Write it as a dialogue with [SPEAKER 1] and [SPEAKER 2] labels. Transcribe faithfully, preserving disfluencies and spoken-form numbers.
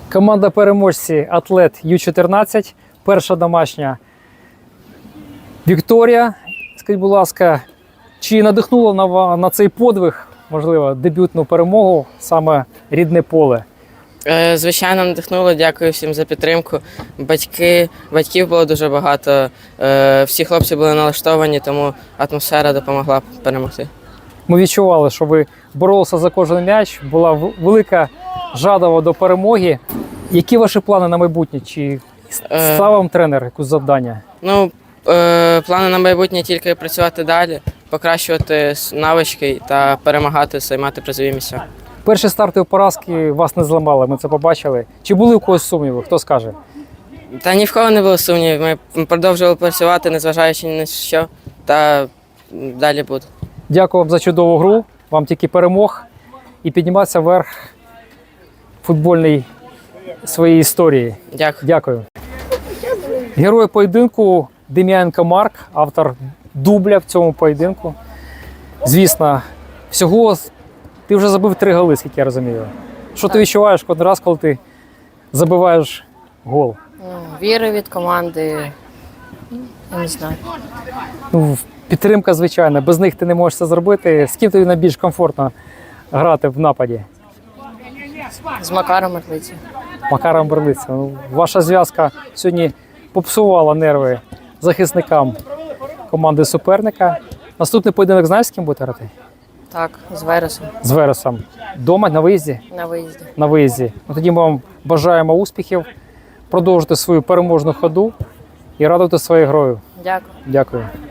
[SPEAKER 1] Команда переможці Атлет Ю чотирнадцять. Перша домашня Вікторія. Скажіть, будь ласка, чи надихнуло на, на цей подвиг, можливо, дебютну перемогу саме рідне поле?
[SPEAKER 2] Звичайно, надихнуло. Дякую всім за підтримку. Батьки, батьків було дуже багато. Всі хлопці були налаштовані, тому атмосфера допомогла перемогти.
[SPEAKER 1] Ми відчували, що ви боролися за кожен м'яч, була велика жадова до перемоги. Які ваші плани на майбутнє? Чи став вам тренер якусь завдання?
[SPEAKER 2] Ну, плани на майбутнє тільки працювати далі, покращувати навички та перемагати, займати призові місця.
[SPEAKER 1] Перші стартові поразки вас не зламали, ми це побачили. Чи були у когось сумніви? Хто скаже?
[SPEAKER 2] Та ні в кого не було сумнівів. Ми продовжували працювати, незважаючи ні на що, та далі буде.
[SPEAKER 1] Дякую вам за чудову гру, вам тільки перемог і підніматися вверх футбольної своєї історії.
[SPEAKER 2] Дякую.
[SPEAKER 1] Дякую. Герой поєдинку Дем'яненко Марк, автор дубля в цьому поєдинку. Звісно, всього ти вже забив три голи, скільки я розумію. Що ти відчуваєш кожен раз, коли ти забиваєш гол?
[SPEAKER 3] Віри від команди, я не знаю.
[SPEAKER 1] Ну, підтримка, звичайно, без них ти не можеш це зробити. З ким тобі найбільш комфортно грати в нападі?
[SPEAKER 3] З Макаром Мерлиці.
[SPEAKER 1] Макаром Берлиця. Ну, ваша зв'язка сьогодні попсувала нерви захисникам команди суперника. Наступний поєдинок знаєш, з ким будете грати?
[SPEAKER 3] Так, з Вересом
[SPEAKER 1] З Вересом. Дома, на виїзді?
[SPEAKER 3] на виїзді.
[SPEAKER 1] На виїзді. Ну, тоді ми вам бажаємо успіхів, продовжити свою переможну ходу і радувати своєю грою.
[SPEAKER 3] Дякую.
[SPEAKER 1] Дякую.